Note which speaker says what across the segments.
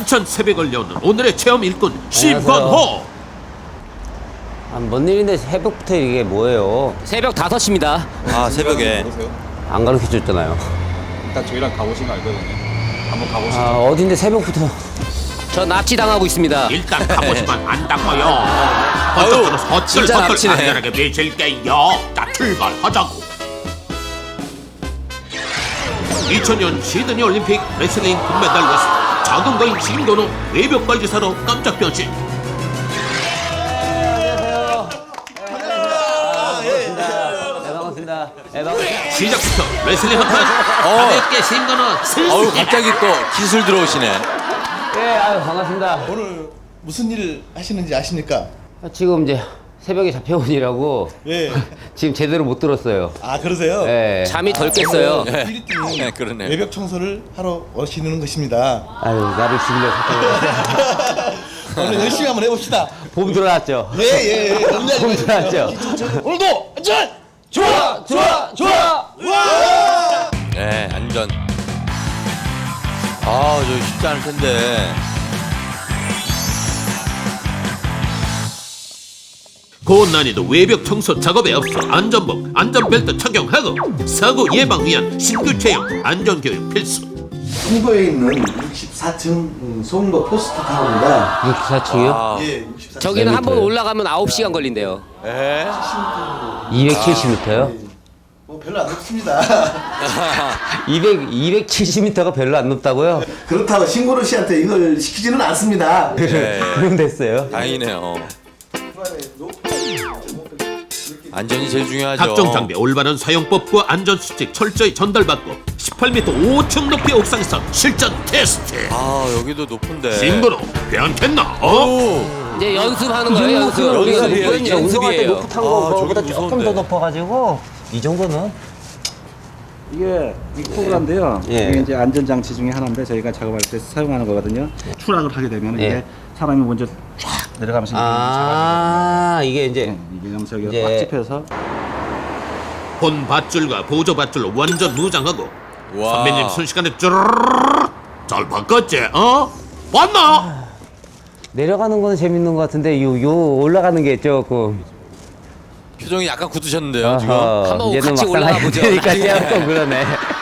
Speaker 1: 따뜻한 새벽을 여는 오늘의 체험 일꾼 심관호.
Speaker 2: 뭔 일인데 새벽부터 이게 뭐예요?
Speaker 3: 새벽 5시입니다.
Speaker 4: 아, 새벽에.
Speaker 5: 모르세요?
Speaker 2: 안 가르쳐줬잖아요.
Speaker 5: 일단 저희랑 가보시면 알거든요. 한번 가보시죠.
Speaker 2: 아, 어딘데 새벽부터.
Speaker 3: 저 납치당하고 있습니다.
Speaker 1: 일단 가보시면 안다고요.
Speaker 4: 아유,
Speaker 1: 어쩌고서
Speaker 4: 진짜
Speaker 1: 헛들
Speaker 4: 납치네.
Speaker 1: 안전하게 매질게요. 자, 출발하자고. 2000년 시드니 올림픽 레슬링 금메달리스트 작은 거인 심건호 외벽 발기사로 깜짝 변신.
Speaker 2: 반갑습니다.
Speaker 1: 시작부터 레슬링 한판 가볍게 심건호 슬슬.
Speaker 4: 어우, 갑자기 또 기술 들어오시네.
Speaker 2: 예, 아유, 반갑습니다.
Speaker 6: 오늘 무슨 일 하시는지 아십니까?
Speaker 2: 지금 이제 새벽에 잡혀온 일하고
Speaker 6: 예.
Speaker 2: 지금 제대로 못 들었어요.
Speaker 6: 아 그러세요?
Speaker 2: 예.
Speaker 3: 잠이 덜 깼어요.
Speaker 6: 필리핀이
Speaker 4: 네, 그러네.
Speaker 6: 외벽 청소를 하러 오시는 것입니다.
Speaker 2: 아유, 나를 죽이려
Speaker 6: 오늘 열심히 한번 해봅시다.
Speaker 2: 봄 들어왔죠?
Speaker 6: 예예.
Speaker 2: 봄 들어왔죠?
Speaker 6: 오늘도 안전.
Speaker 2: 좋아! 좋아! 좋아!
Speaker 4: 네, 안전. 아, 저 쉽지 않을 텐데.
Speaker 1: 고난이도 외벽 청소 작업에 앞서 안전복, 안전벨트 착용하고 사고 예방 위한 신규 체험 안전교육 필수.
Speaker 6: 송도에 있는 64층 송도 포스트타운입니다.
Speaker 2: 64층이요?
Speaker 4: 아,
Speaker 6: 예, 64층.
Speaker 3: 저기는 한 번
Speaker 2: 재밌어요.
Speaker 3: 올라가면 9시간 걸린대요.
Speaker 4: 예?
Speaker 2: 270m요?
Speaker 6: 뭐 별로 안 높습니다.
Speaker 2: 270m가 별로 안 높다고요?
Speaker 6: 그렇다고 신고로 씨한테 이걸 시키지는 않습니다.
Speaker 4: 네.
Speaker 2: 그럼 됐어요.
Speaker 4: 다행이네요. 안전이 제일 중요하죠.
Speaker 1: 각종 장비 올바른 사용법과 안전수칙 철저히 전달받고 18m 5층 높이 옥상에서 실전 테스트.
Speaker 4: 아, 여기도 높은데.
Speaker 1: 심건호 괜찮나?
Speaker 4: 오!
Speaker 3: 이제 연습하는 거예요, 연습.
Speaker 4: 연습이에요,
Speaker 3: 이건
Speaker 4: 이게.
Speaker 2: 운동할 때
Speaker 3: 연습이에요.
Speaker 2: 높은 탄
Speaker 4: 아,
Speaker 2: 거보다
Speaker 4: 저기
Speaker 2: 조금 더
Speaker 4: 무서운데.
Speaker 2: 높아가지고 이 정도는
Speaker 7: 이게 믹프로인데요.
Speaker 2: 예.
Speaker 7: 이게 이제 안전장치 중에 하나인데 저희가 작업할 때 사용하는 거거든요. 추락을 하게 되면
Speaker 2: 예.
Speaker 7: 이게 사람이 먼저 쫙 내려가면서
Speaker 2: 아 이게 이제
Speaker 7: 이게 그럼 저기
Speaker 2: 이제-
Speaker 7: 꽉 집혀서
Speaker 1: 본 밧줄과 보조 밧줄로 완전 무장하고
Speaker 4: 와.
Speaker 1: 선배님 순식간에 쭈르르르 잘 바꿨지? 어? 봤나?
Speaker 2: 내려가는 거는 재밌는 것 같은데 요 올라가는 게 조금
Speaker 4: 표정이 약간 굳으셨는데요, 지금.
Speaker 3: 한번
Speaker 2: 이제는
Speaker 3: 같이
Speaker 2: 막상
Speaker 3: 올라가 보죠.
Speaker 2: 하니까 조금 그러네.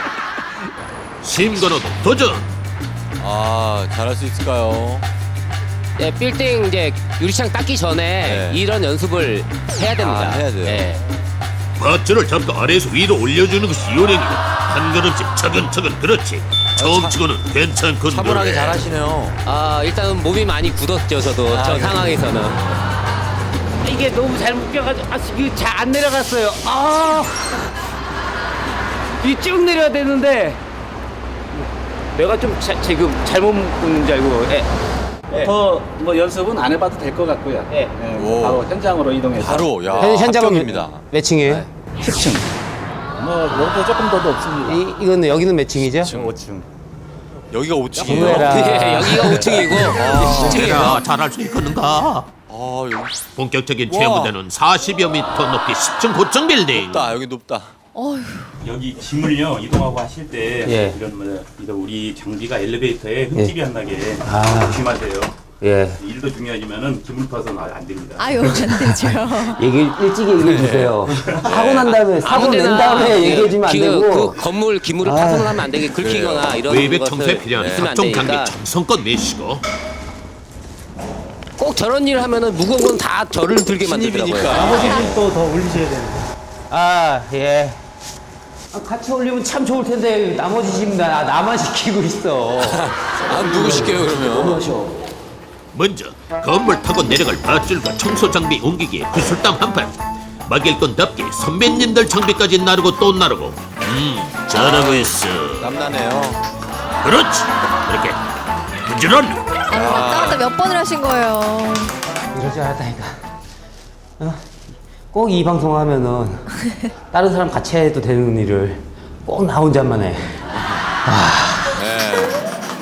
Speaker 1: 심건호도 도전.
Speaker 4: 아, 잘할 수 있을까요?
Speaker 3: 예, 빌딩 이제 유리창 닦기 전에
Speaker 4: 네.
Speaker 3: 이런 연습을 해야 됩니다.
Speaker 4: 아, 해야 돼요.
Speaker 3: 예.
Speaker 1: 밧줄을 잡고 아래에서 위로 올려주는 것이 요령이고 한 걸음씩 차근차근 그렇지. 처음 치고는 괜찮군.
Speaker 4: 차분하게
Speaker 1: 그래.
Speaker 4: 잘하시네요.
Speaker 3: 아, 일단은 몸이 많이 굳었죠, 저도. 저
Speaker 4: 그래요?
Speaker 3: 상황에서는.
Speaker 2: 이게 너무 잘 묶여가지고 이게 잘 안 내려갔어요. 이 쭉 내려야 되는데 내가 좀 지금 잘못 묶는 줄 알고.
Speaker 7: 더 뭐 연습은 안 해봐도 될 것 같고요.
Speaker 2: 예.
Speaker 4: 오.
Speaker 7: 바로 현장으로 이동해서
Speaker 4: 바로, 야.
Speaker 2: 현장은
Speaker 4: 합격입니다.
Speaker 2: 몇 층이에요?
Speaker 7: 10층. 뭐 여기도 조금 더 높습니다.
Speaker 2: 이거는 여기는 몇 층이죠?
Speaker 7: 5층.
Speaker 4: 여기가 5층이에요.
Speaker 2: 정말아.
Speaker 3: 예, 여기가 5층이고,
Speaker 1: 내가 잘할 수 있겠는가?
Speaker 4: 아, 여기
Speaker 1: 본격적인
Speaker 4: 와.
Speaker 1: 체험 무대는 40여 미터 높이 10층 고층 빌딩.
Speaker 4: 높다, 여기 높다.
Speaker 8: 여기 짐을요 이동하고 하실 때
Speaker 2: 예.
Speaker 8: 이런 이런 우리 장비가 엘리베이터에 흠집이 안 나게
Speaker 2: 아.
Speaker 8: 조심하세요.
Speaker 2: 예.
Speaker 8: 일도 중요하지만은 기물 파손 안 됩니다.
Speaker 9: 아유, 안 되죠.
Speaker 2: 일찍 얘기해 주세요. 하고 난 다음에 사고 낸 다음에 얘기해 주면 안 되고.
Speaker 3: 그 건물 기물을
Speaker 2: 아.
Speaker 3: 파손을 하면 안 되게 긁히거나 이런
Speaker 1: 외벽 청소에
Speaker 3: 것을
Speaker 1: 필요한
Speaker 3: 있으면 안
Speaker 1: 각종 장비
Speaker 3: 되니까
Speaker 1: 정성껏 매시고
Speaker 3: 꼭 저런 일을 하면은 무거운 건 다 저를 들게 만들더라고요.
Speaker 2: 아, 예. 같이 올리면 참 좋을 텐데 나머지 짐 나만 시키고 있어.
Speaker 4: 아, 누구 시켜요, 그러면?
Speaker 1: 먼저 건물 타고 내려갈 밧줄과 청소 장비 옮기기에 구슬땀 한판. 막일 건답게 선배님들 장비까지 나르고 또 나르고. 잘하고 있어.
Speaker 4: 땀나네요.
Speaker 1: 그렇지. 이렇게 부지런히.
Speaker 9: 아유, 왔다 갔다 몇 번을 하신 거예요.
Speaker 2: 이럴 줄 알았다니까. 꼭 이 방송 하면은 다른 사람 같이 해도 되는 일을 꼭 나 혼자만 해.
Speaker 4: 네.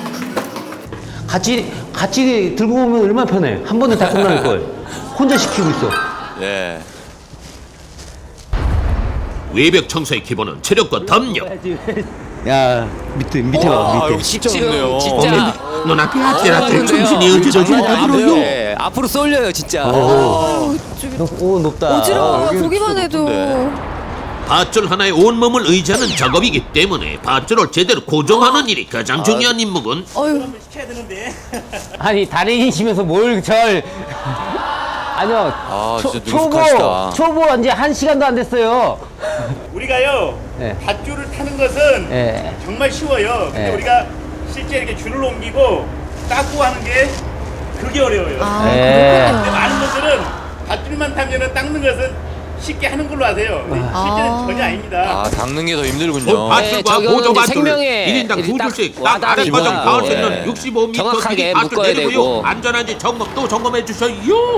Speaker 2: 같이 들고 오면 얼마나 편해. 한 번에 다 끝날 걸. 혼자 시키고 있어.
Speaker 4: 예.
Speaker 1: 외벽 청소의 기본은 체력과 담력.
Speaker 2: 야 밑에 봐
Speaker 4: 아,
Speaker 2: 밑에.
Speaker 4: 여기 진짜
Speaker 3: 지금
Speaker 4: 없네요.
Speaker 3: 진짜
Speaker 1: 눈앞이 아찔아찔
Speaker 3: 어,
Speaker 1: 정신이
Speaker 3: 그런데요.
Speaker 1: 어지러지는
Speaker 4: 안
Speaker 1: 앞으로요.
Speaker 4: 돼요.
Speaker 3: 네, 앞으로 쏠려요 진짜.
Speaker 2: 오 높다.
Speaker 9: 어지러워요.
Speaker 4: 여기
Speaker 9: 보기만 해도.
Speaker 4: 높은데.
Speaker 1: 밧줄 하나에 온몸을 의지하는 작업이기 때문에 밧줄을 제대로 고정하는 일이 가장 중요한 임무군.
Speaker 9: 어휴.
Speaker 2: 아니 달인이시면서 뭘 절. 아니요.
Speaker 4: 아, 진짜 능숙하시다.
Speaker 2: 초보 이제 1시간도 안 됐어요.
Speaker 8: 우리가요
Speaker 2: 네.
Speaker 8: 밧줄을 타는 것은
Speaker 2: 예.
Speaker 8: 정말 쉬워요. 근데
Speaker 2: 네.
Speaker 8: 우리가 실제 이렇게 줄을 옮기고 닦고 하는 게 그게 어려워요.
Speaker 9: 아
Speaker 2: 네.
Speaker 8: 근데
Speaker 9: 그렇군요.
Speaker 8: 많은 분들은 밧줄만 타면은 닦는 것은 쉽게 하는 걸로 아세요. 근데 실제는 전혀 아닙니다.
Speaker 4: 아, 닦는 게 더 힘들군요.
Speaker 1: 밧줄과
Speaker 3: 저거는
Speaker 1: 보조
Speaker 3: 이제
Speaker 1: 밧줄
Speaker 3: 생명에
Speaker 1: 1인당
Speaker 3: 이렇게
Speaker 1: 2줄씩
Speaker 3: 딱
Speaker 1: 딱 아래 과정
Speaker 3: 와닿으니까,
Speaker 1: 닿을 수
Speaker 4: 네.
Speaker 1: 있는 65m
Speaker 3: 정확하게
Speaker 1: 길이 밧줄
Speaker 3: 묶어야
Speaker 1: 내리고요.
Speaker 3: 되고.
Speaker 1: 안전한지 또 점검해 주셔요.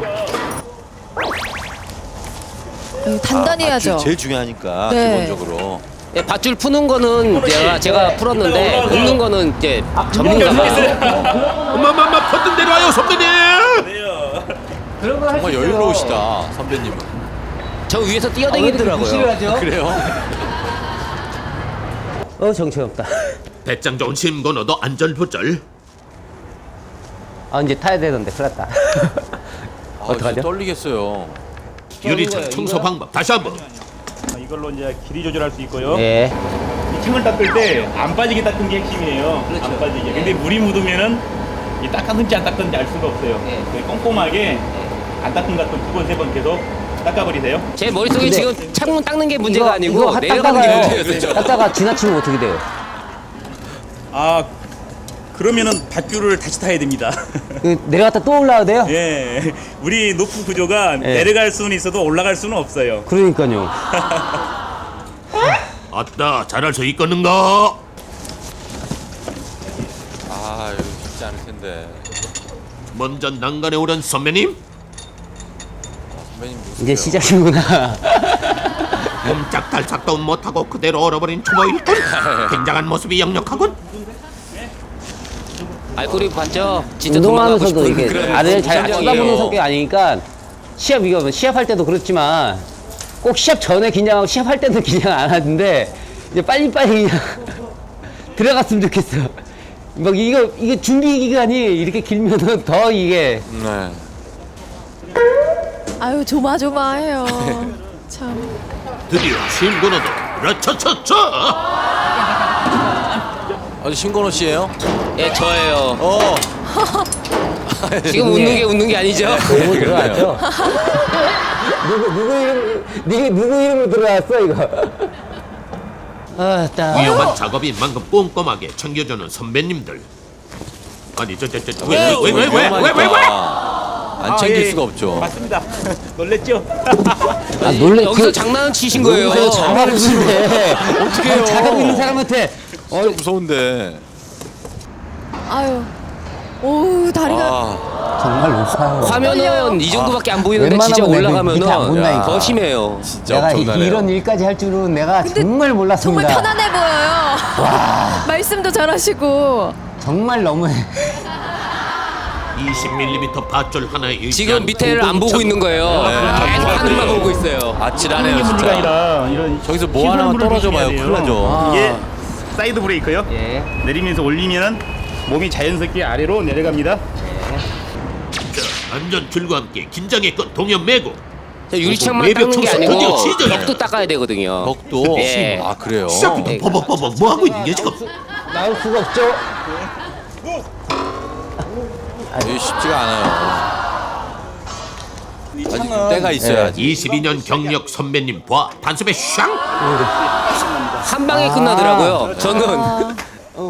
Speaker 9: 단단히 해야죠.
Speaker 4: 밧줄 제일 중요하니까
Speaker 9: 네.
Speaker 4: 기본적으로.
Speaker 3: 네, 밧줄 푸는 거는 제가 풀었는데 묶는 거는 이제 전문가가.
Speaker 1: 엄마마마 퍼든 대로 와요 선배님.
Speaker 2: 그런 거 할 수
Speaker 4: 정말
Speaker 2: 있어요.
Speaker 4: 여유로우시다, 선배님은.
Speaker 3: 저 위에서
Speaker 2: 아,
Speaker 3: 뛰어다니더라고요.
Speaker 2: 싫어하죠?
Speaker 4: 그래요?
Speaker 2: 정신없다.
Speaker 1: 배짱 좋은 심건어도 안전부절.
Speaker 2: 아 이제 타야 되는데 큰일 났다.
Speaker 4: 아,
Speaker 2: 어떡하죠?
Speaker 4: 진짜 떨리겠어요.
Speaker 1: 유리창 청소 방법 다시 한번.
Speaker 8: 이걸로 이제 길이 조절할 수 있고요.
Speaker 2: 예.
Speaker 8: 이 층을 닦을 때 안 빠지게 닦는 게 핵심이에요. 안 빠지게. 근데 물이 묻으면은 이 닦았는지 안 닦았는지 알 수가 없어요. 그래서 꼼꼼하게 안 닦은 것 같은 2번, 3번 계속 닦아버리세요.
Speaker 3: 제 머릿속에
Speaker 2: 근데
Speaker 3: 지금 창문 닦는 게 문제가
Speaker 2: 이거
Speaker 3: 아니고 내려가는 게 문제였어요.
Speaker 2: 닦다가 지나치면 어떻게 돼요?
Speaker 8: 아, 그러면은 밧줄을 다시 타야 됩니다.
Speaker 2: 내려갔다 또 올라와야 돼요?
Speaker 8: 예. 우리 높은 구조가
Speaker 2: 예.
Speaker 8: 내려갈 수는 있어도 올라갈 수는 없어요.
Speaker 2: 그러니까요.
Speaker 1: 아따 잘할 수 있겠는가?
Speaker 4: 아, 이거 쉽지 않을 텐데.
Speaker 1: 먼저 난간에 오른 선배님.
Speaker 4: 선배님 누구세요?
Speaker 2: 이제 시작이구나.
Speaker 1: 옴짝달싹도 못하고 그대로 얼어버린 초보일꾼. 굉장한 모습이 역력하군.
Speaker 3: 알고리즘 봤죠? 진짜 도망가고
Speaker 2: 운동하면서도
Speaker 3: 싶은
Speaker 2: 이게
Speaker 3: 그런
Speaker 2: 나를 잘
Speaker 3: 심정이에요.
Speaker 2: 쳐다보는 성격이 아니니까 시합할 때도 그렇지만 꼭 시합 전에 긴장하고 시합할 때는 긴장 안 하는데 이제 빨리빨리 그냥 들어갔으면 좋겠어. 막 이게 준비 기간이 이렇게 길면은 더 이게
Speaker 4: 네.
Speaker 9: 아유 조마조마해요. 참.
Speaker 1: 드디어 심건어도 라차차차.
Speaker 4: 아주 신건호 씨예요?
Speaker 3: 예, 저예요.
Speaker 4: 어.
Speaker 3: 지금 웃는 게 아니죠?
Speaker 2: 너무 들어왔죠? 누구 이름으로 들어왔어 이거?
Speaker 1: 위험한 작업인 만큼 꼼꼼하게 챙겨주는 선배님들. 아니 왜?
Speaker 4: 안 챙길
Speaker 8: 예.
Speaker 4: 수가 없죠.
Speaker 8: 맞습니다. 놀랬죠?
Speaker 2: 아 놀래.
Speaker 3: 여기서 장난을 치신 거예요.
Speaker 2: 장난을 치네.
Speaker 4: 어떡해요.
Speaker 2: 작업 있는 사람한테
Speaker 4: 진짜 무서운데.
Speaker 9: 아유. 오 다리가.
Speaker 4: 아,
Speaker 2: 정말 높아요.
Speaker 3: 화면은 이 정도밖에 안 보이는데 진짜
Speaker 2: 웬만하면 밑에 안
Speaker 3: 올라가면은
Speaker 2: 본다니까.
Speaker 3: 더 심해요.
Speaker 4: 진짜
Speaker 2: 내가
Speaker 4: 엄청나네요.
Speaker 2: 이런 일까지 할 줄은 내가 정말 몰랐습니다.
Speaker 9: 정말 편안해 보여요. 말씀도 잘하시고.
Speaker 2: 정말 너무해.
Speaker 1: 20mm 밧줄 하나에 의지한
Speaker 3: 지금 밑에를 안 보고 있는 거예요. 계속 하늘만 보고 있어요.
Speaker 4: 아찔하네요,
Speaker 8: 문제가
Speaker 4: 진짜.
Speaker 8: 아니라 이런
Speaker 4: 저기서 뭐 하나만
Speaker 8: 시설물을
Speaker 4: 떨어져 봐요.
Speaker 8: 조심해야
Speaker 4: 큰일
Speaker 8: 돼요.
Speaker 4: 나죠.
Speaker 8: 이게 사이드 브레이크요.
Speaker 2: 예.
Speaker 8: 내리면서 올리면은 몸이 자연스럽게 아래로 내려갑니다.
Speaker 1: 자, 안전 줄과 함께 긴장의 끈 동현 매고.
Speaker 3: 저 유리창만
Speaker 1: 외벽
Speaker 3: 닦는 게
Speaker 1: 청소
Speaker 3: 아니고
Speaker 1: 드디어 시작이야.
Speaker 3: 벽도 닦아야 되거든요.
Speaker 4: 벽도?
Speaker 3: 예.
Speaker 4: 아, 그래요?
Speaker 1: 시작부터
Speaker 3: 네.
Speaker 1: 버벅버벅 뭐 하고 있는 게 지금?
Speaker 2: 나올 수가 없죠.
Speaker 4: 이게 쉽지가 않아요. 아직 때가 있어야지.
Speaker 1: 22년 경력 선배님 봐 단숨에 샹.
Speaker 3: 한 방에 끝나더라고요. 저는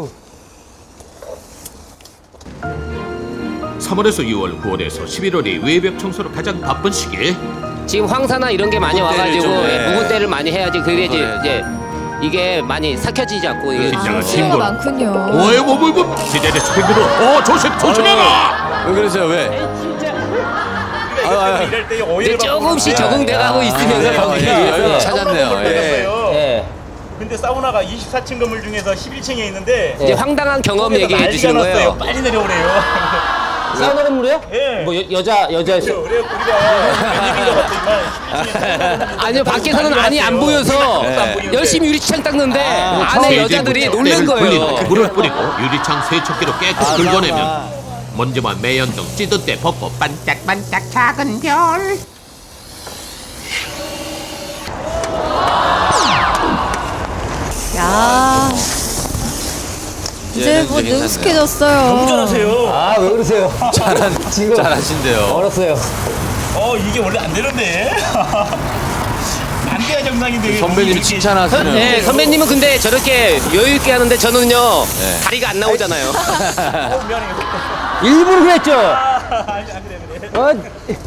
Speaker 1: 3월에서 6월, 9월에서 11월이 외벽 청소로 가장 바쁜 시기에
Speaker 3: 지금 황사나 이런 게 많이
Speaker 4: 묵은 때를
Speaker 3: 와가지고
Speaker 4: 좀,
Speaker 3: 예,
Speaker 4: 예.
Speaker 3: 묵은 때를 많이 해야지 그래야지
Speaker 4: 그래야지.
Speaker 3: 이제 이게 많이 삭혀지지 않고 이게
Speaker 1: 긴장한
Speaker 9: 수요가
Speaker 1: 신고.
Speaker 9: 많군요.
Speaker 1: 오해 뭐뭐 기대돼 스피드로. 조심해라.
Speaker 4: 왜 그러세요, 왜?
Speaker 8: 이럴 때
Speaker 3: 이제
Speaker 8: 오해를
Speaker 3: 조금씩
Speaker 8: 받고
Speaker 3: 적응돼가고 있으면서 거기
Speaker 4: 여기 찾았네요. 예.
Speaker 8: 있어요.
Speaker 2: 예.
Speaker 8: 근데 사우나가 24층 건물 중에서 11층에 있는데
Speaker 3: 이제 황당한 경험 얘기해 주시는 거예요.
Speaker 8: 빨리 내려오래요.
Speaker 2: 사우나 건물이요?
Speaker 8: 예.
Speaker 2: 뭐 여자
Speaker 8: 그래요. 우리가 웬일인가 봤더니만
Speaker 3: 아니요, 밖에서는 안이 안 보여서
Speaker 4: 네.
Speaker 3: 열심히 유리창 닦는데 안에
Speaker 1: 세제부터
Speaker 3: 여자들이
Speaker 1: 때를
Speaker 3: 놀란
Speaker 1: 불리는
Speaker 3: 거예요.
Speaker 1: 물을 뿌리고 유리창 세척기로 깨끗이 긁어내면 먼지와 매연 등 찌든 때 벗고 반짝반짝 작은 별.
Speaker 9: 야 이제 뭐
Speaker 4: 괜찮네요.
Speaker 9: 능숙해졌어요.
Speaker 8: 너무 잘하세요.
Speaker 2: 아 왜 그러세요? 지금
Speaker 4: 잘하신대요.
Speaker 2: 얼었어요.
Speaker 8: 이게 원래 안 되는데. 안 돼야 정상인데.
Speaker 4: 선배님이
Speaker 8: 이렇게
Speaker 4: 칭찬하시네요.
Speaker 3: 네, 선배님은 근데 저렇게 여유 있게 하는데 저는요
Speaker 4: 네.
Speaker 3: 다리가 안 나오잖아요.
Speaker 8: 미안해요.
Speaker 2: 일부러 그랬죠?
Speaker 8: 안 그래.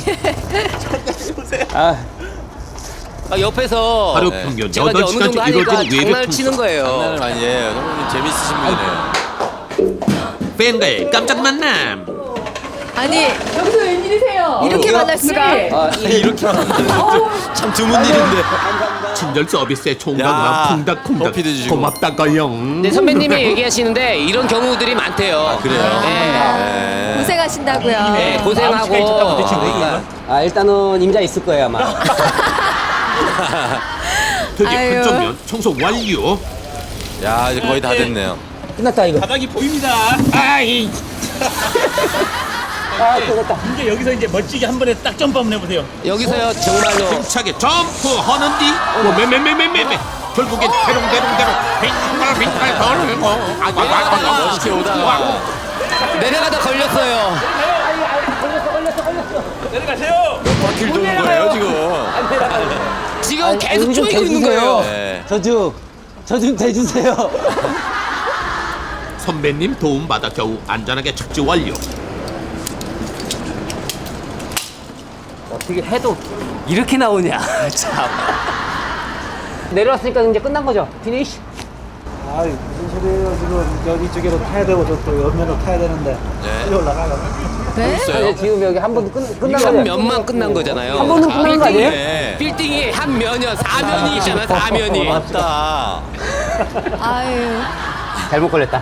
Speaker 2: 아,
Speaker 3: 옆에서
Speaker 1: 하루
Speaker 4: 네.
Speaker 1: 평균
Speaker 3: 제가 이제 어느
Speaker 1: 8시간째
Speaker 3: 정도 하니까
Speaker 1: 이루어지는 외벽
Speaker 3: 장난을 치는
Speaker 1: 청소.
Speaker 3: 거예요.
Speaker 4: 장난을 많이 해요. 선배님 재밌으신 분이네요.
Speaker 1: 팬과의 깜짝 만남.
Speaker 9: 아니 여기서 웬일이세요? 이렇게 만날 수가?
Speaker 2: 아,
Speaker 4: 이렇게 참 드문 일인데.
Speaker 1: 친절 서비스의
Speaker 4: 야,
Speaker 1: 총각만 콩닥콩닥
Speaker 4: 커피도 주시고.
Speaker 1: 고맙다가요.
Speaker 3: 네, 선배님이 얘기하시는데 이런 경우들이 많대요.
Speaker 4: 그래요? 네.
Speaker 9: 고생하신다고요.
Speaker 3: 네, 고생하고 그러니까
Speaker 2: 아 일단은 임자 있을 거예요 아마.
Speaker 1: 되게
Speaker 9: 아유.
Speaker 1: 한정면 청소 완료.
Speaker 4: 야, 이제 거의 다 됐네요.
Speaker 2: 끝났다 이거.
Speaker 8: 바닥이 보입니다.
Speaker 2: 아 끝났다.
Speaker 8: 이제 여기서 이제 멋지게 한 번에 딱 점프 한번 해보세요.
Speaker 3: 여기서요 정말로
Speaker 1: 힘차게 점프하는 뒤 매매매매매매 결국엔 대롱대롱대롱 빙글빙글 돌고
Speaker 4: 멋있게 오다가
Speaker 3: 내려가다 걸렸어요.
Speaker 8: 내려가세요.
Speaker 4: 바퀴를 도는 거예요, 지금.
Speaker 3: 지금 계속
Speaker 2: 이거 좀
Speaker 3: 쪼이고 있는
Speaker 2: 대주세요.
Speaker 3: 거예요.
Speaker 4: 네.
Speaker 2: 저 좀 대주세요.
Speaker 1: 선배님 도움받아 겨우 안전하게 착지 완료.
Speaker 2: 어떻게 해도 이렇게 나오냐 참. 내려왔으니까 이제 끝난 거죠? 피니쉬?
Speaker 7: 아 무슨 소리예요 지금 여기 쪽으로 타야 되고 저또 옆면으로 타야 되는데
Speaker 4: 네.
Speaker 7: 빨리 올라가려고.
Speaker 9: 네?
Speaker 2: 아니, 지금 여기 한 번 끝난
Speaker 3: 한
Speaker 2: 거죠?
Speaker 3: 면만 끝난 거잖아요.
Speaker 2: 한 번은 끝난 거 아니에요?
Speaker 4: 네.
Speaker 3: 빌딩이 한 면이요. 4면이 있잖아요. 4면이.
Speaker 4: 맞다.
Speaker 9: 아유
Speaker 2: 잘못 걸렸다.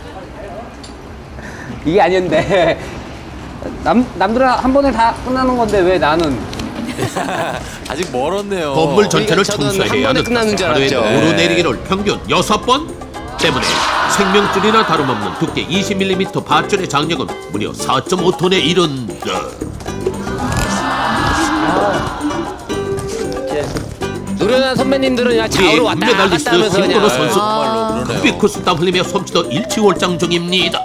Speaker 2: 이게 아니었는데 남들은 한 번에 다 끝나는 건데 왜 나는?
Speaker 4: 아직 멀었네요.
Speaker 1: 건물 전체를
Speaker 3: 저는 한
Speaker 1: 청소해야
Speaker 3: 번에
Speaker 1: 하는
Speaker 3: 끝나는 줄
Speaker 1: 하루에
Speaker 3: 알았죠.
Speaker 1: 오르내리기를 평균 6번 때문에 생명줄이나 다름없는 두께 20mm 밧줄의 장력은 무려 4.5톤에 이른다.
Speaker 3: 노련한 선배님들은 그냥 좌우로 왔다 갔다
Speaker 1: 금메달리스트
Speaker 3: 하면서
Speaker 1: 김건호
Speaker 3: 그냥
Speaker 1: 선수
Speaker 4: 정말로 그러네요.
Speaker 1: 흑비코스 땀 흘리며 솜씨도 일치월장 중입니다.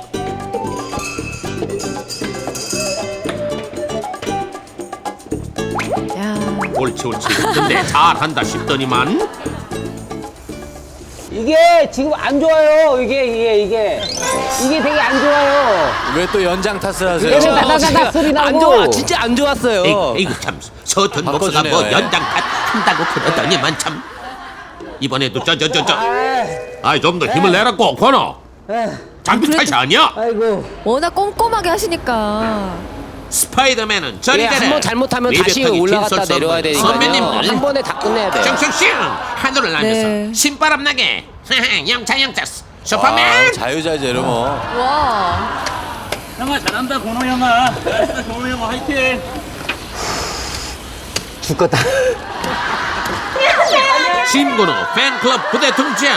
Speaker 9: 야
Speaker 1: 옳지 근데 잘한다 싶더니만
Speaker 2: 이게 지금 안 좋아요. 이게 되게 안 좋아요.
Speaker 4: 왜 또 연장 탓을 하세요?
Speaker 2: 왜냐면 나가다 소리 나고.
Speaker 3: 안 좋아. 진짜 안 좋았어요.
Speaker 1: 에이구 참 서툰 목소가
Speaker 4: 바꿔주네요,
Speaker 1: 뭐
Speaker 4: 예.
Speaker 1: 연장 한다고 그러더니만 참 이번에도 저 아이 좀 더 힘을 내라고 권어 장비 탓이 아니야.
Speaker 2: 아이고.
Speaker 9: 워낙 꼼꼼하게 하시니까.
Speaker 1: 스파이더맨은 저리
Speaker 3: 예,
Speaker 1: 가라.
Speaker 3: 한번 잘못하면 다시
Speaker 1: 외벽하기
Speaker 3: 올라갔다
Speaker 1: 긴
Speaker 3: 내려와야
Speaker 1: 선수
Speaker 3: 되니까요.
Speaker 1: 선배님들
Speaker 3: 한 번에 다 끝내야 돼요.
Speaker 1: 슝슝슝 하늘을 날면서
Speaker 9: 네.
Speaker 1: 신바람 나게 영차 슈퍼맨.
Speaker 4: 아, 자유자재로 뭐.
Speaker 9: 와
Speaker 8: 형아 잘한다 고노 형아. 잘했어 고노 형아 화이팅.
Speaker 2: 죽겠다.
Speaker 1: 신건호 팬클럽 부대 등장.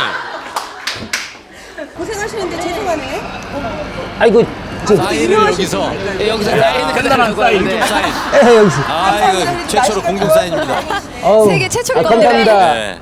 Speaker 10: 고생하시는데 죄송하네.
Speaker 2: 아이고
Speaker 4: 사인을 여기서.
Speaker 3: 네, 여기서 사인을
Speaker 8: 간단한 사인.
Speaker 3: 네.
Speaker 4: 사인.
Speaker 2: 여기서.
Speaker 4: 아, 이거 최초로 공동 사인입니다.
Speaker 2: 어우.
Speaker 9: 세계 최초일
Speaker 2: 감사합니다.
Speaker 4: 네.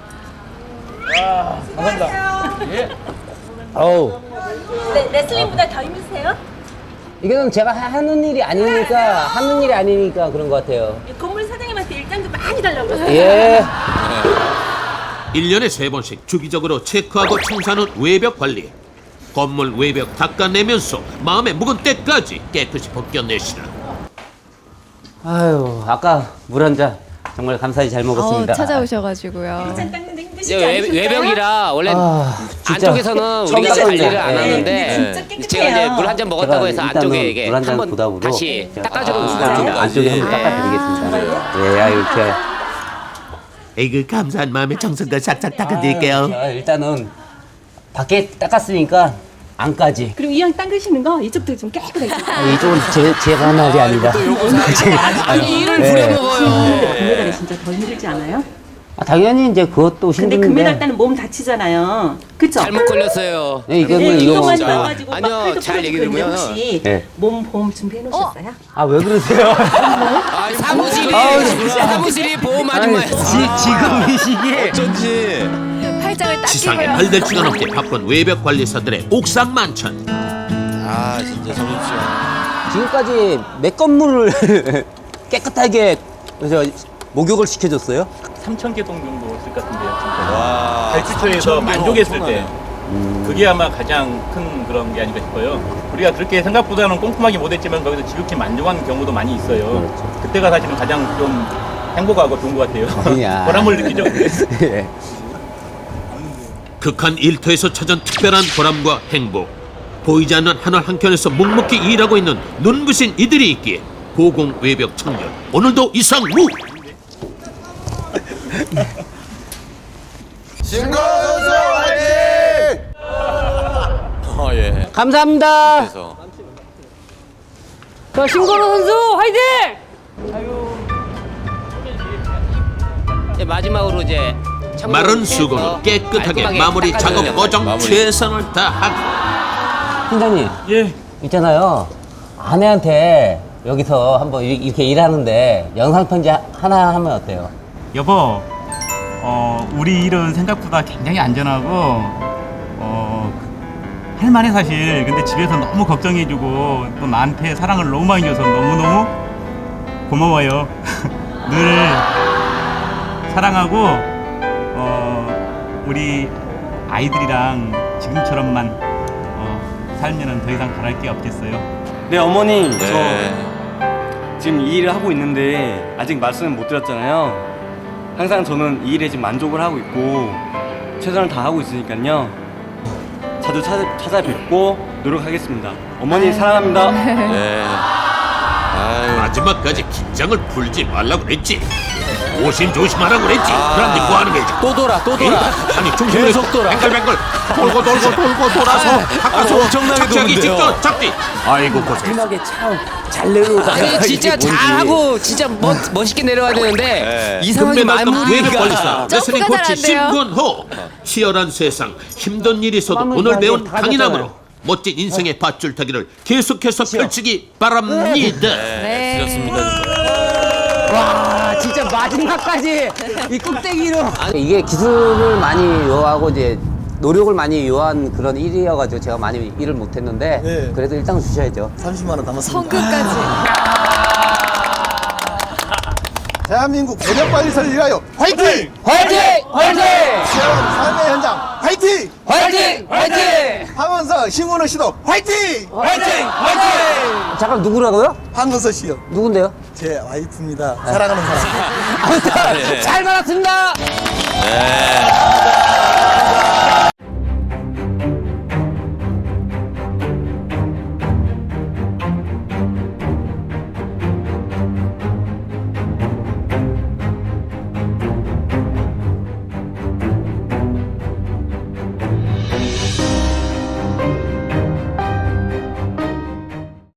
Speaker 2: 어우.
Speaker 10: 네, 레슬링보다 더 힘드세요?
Speaker 2: 이거는 제가 하는 일이 아니니까 그런 것 같아요.
Speaker 10: 건물 사장님한테 일당도 많이 달라고 그러세요.
Speaker 2: 예.
Speaker 1: 1년에 3번씩 주기적으로 체크하고 청소하는 외벽 관리. 건물 외벽 닦아내면서 마음에 묵은 때까지 깨끗이 벗겨내시라.
Speaker 2: 아유 아까 물 한 잔 정말 감사히 잘 먹었습니다.
Speaker 9: 찾아오셔가지고요.
Speaker 10: 짠 닦는데 힘드시지
Speaker 3: 이제
Speaker 10: 않으실까요?
Speaker 3: 외벽이라 원래
Speaker 2: 진짜
Speaker 3: 안쪽에서는
Speaker 2: 처음
Speaker 3: 우리가
Speaker 2: 닦았는데.
Speaker 3: 관리를 안
Speaker 2: 예.
Speaker 3: 하는데
Speaker 10: 진짜 깨끗해요.
Speaker 3: 제가 이제 물 한 잔 먹었다고
Speaker 2: 제가
Speaker 3: 해서
Speaker 2: 일단은
Speaker 3: 안쪽에 이게
Speaker 2: 물한잔
Speaker 3: 한번
Speaker 2: 부담으로
Speaker 3: 다시 닦아주는
Speaker 2: 일단은
Speaker 3: 겁니다.
Speaker 2: 안쪽에 한번 닦아드리겠습니다. 예, 이렇게.
Speaker 1: 에이그 감사한 마음에 정성과 싹싹 닦아드릴게요.
Speaker 2: 일단은 밖에 닦았으니까 안까지.
Speaker 10: 그리고 이왕 닦으시는 거 이쪽도 좀 깨끗하게.
Speaker 2: 이쪽은 제가 한 말이 아니라.
Speaker 3: 아니 일을 부려먹어요.
Speaker 10: 금메달이 진짜 더 힘들지 않아요?
Speaker 2: 당연히 이제 그것도
Speaker 10: 근데
Speaker 2: 힘든데.
Speaker 10: 금메달 따는 몸 다치잖아요. 그쵸?
Speaker 3: 잘못 걸렸어요.
Speaker 2: 네,
Speaker 10: 이것만
Speaker 2: 이거.
Speaker 10: 나가지고
Speaker 3: 아니요,
Speaker 10: 막 팔도
Speaker 3: 잘 얘기
Speaker 10: 부러지고
Speaker 3: 들으면-
Speaker 10: 혹시
Speaker 2: 네.
Speaker 10: 몸 보험 준비해 놓으셨어요?
Speaker 2: 아, 왜 그러세요?
Speaker 3: 아, 사무실이 보험 아줌마였어.
Speaker 2: 지금 이 시기에.
Speaker 4: 어쩐지.
Speaker 9: 팔짱을 딱
Speaker 1: 지상에
Speaker 9: 끼고요.
Speaker 1: 8대치가 넘게 바쁜 외벽 관리사들의 옥상 만천.
Speaker 4: 아 진짜 점심시간.
Speaker 2: 지금까지 몇 건물을 깨끗하게 목욕을 시켜줬어요?
Speaker 8: 3,000개 정도 쓸 것 같은데요.
Speaker 4: 와.
Speaker 8: 발주처에서 만족했을 때 그게 아마 가장 큰 그런 게 아닌가 싶어요. 우리가 그렇게 생각보다는 꼼꼼하게 못했지만 거기서 지극히 만족한 경우도 많이 있어요. 그때가 사실은 가장 좀 행복하고 좋은 것 같아요.
Speaker 2: 아니야.
Speaker 8: 보람을 느끼죠.
Speaker 2: 예.
Speaker 1: 극한 일터에서 찾은 특별한 보람과 행복. 보이지 않는 하늘 한켠에서 묵묵히 일하고 있는 눈부신 이들이 있기에 고공 외벽 청년 오늘도 이상무.
Speaker 4: 신고 선수 화이팅! 예.
Speaker 2: 감사합니다.
Speaker 4: 그래서
Speaker 9: 저 신건우 선수 화이팅!
Speaker 3: 이제 마지막으로 이제
Speaker 1: 마른 수건으로 깨끗하게 마무리 작업 과정
Speaker 4: 마무리.
Speaker 1: 최선을 다하고.
Speaker 2: 팀장님,
Speaker 8: 예.
Speaker 2: 있잖아요. 아내한테 여기서 한번 이렇게 일하는데 영상편지 하나 하면 어때요?
Speaker 8: 여보, 우리 일은 생각보다 굉장히 안전하고 할만해 사실. 근데 집에서 너무 걱정해주고 또 나한테 사랑을 너무 많이 줘서 너무너무 고마워요. 늘 사랑하고 우리 아이들이랑 지금처럼만 살면은 더 이상 바랄 게 없겠어요.
Speaker 7: 네, 어머니.
Speaker 4: 네.
Speaker 7: 저 지금 이 일을 하고 있는데 아직 말씀을 못 드렸잖아요. 항상 저는 이 일에 지금 만족을 하고 있고 최선을 다하고 있으니까요. 자주 찾아뵙고 노력하겠습니다. 어머니 사랑합니다.
Speaker 4: 네. 아유.
Speaker 1: 마지막까지 긴장을 풀지 말라고 그랬지. 조심하라고 그랬지. 그런데 뭐 하는 거지?
Speaker 4: 또 돌아.
Speaker 1: 아니 중심을
Speaker 4: 계속 돌아.
Speaker 1: 뱅글뱅글 돌고 돌아서 가까스로
Speaker 4: 엄청나게
Speaker 1: 착지하기
Speaker 4: 도는데요.
Speaker 1: 직전 착지. 아이고 고생.
Speaker 2: 마지막에 참 잘 내려오다가
Speaker 3: 아니 진짜 잘하고 진짜 멋있게 내려와야 되는데
Speaker 4: 네.
Speaker 3: 이상하게
Speaker 1: 금메달급 외벽 관리사
Speaker 3: 마무리가
Speaker 1: 레슬링
Speaker 9: 점프가
Speaker 1: 코치
Speaker 9: 잘안 돼요.
Speaker 1: 심근호. 치열한 세상 힘든 일이 있어도
Speaker 2: 마무리
Speaker 1: 오늘 배운
Speaker 2: 다
Speaker 1: 강인함으로
Speaker 2: 됐잖아요.
Speaker 1: 멋진 인생의 밧줄 타기를 계속해서 펼치기 바랍니다.
Speaker 4: 네. 드렸습니다.
Speaker 2: 와, 진짜 마지막까지 이 꼭대기로. 이게 기술을 많이 요하고 이제 노력을 많이 요한 그런 일이어가지고 제가 많이 일을 못했는데
Speaker 6: 네.
Speaker 2: 그래도 일단 주셔야죠.
Speaker 6: 30만 원 남았습니다.
Speaker 9: 성급까지.
Speaker 6: 대한민국 외벽 관리사를 위하여 화이팅!
Speaker 2: 화이팅! 화이팅!
Speaker 6: 치열한 삶의 현장 화이팅!
Speaker 2: 화이팅! 화이팅!
Speaker 6: 황원서 신문호 씨도 화이팅!
Speaker 2: 화이팅! 화이팅! 잠깐 누구라고요?
Speaker 6: 황원서 씨요.
Speaker 2: 누군데요?
Speaker 6: 제 와이프입니다. 사랑하는 사람.
Speaker 2: 아무튼 잘 받았습니다.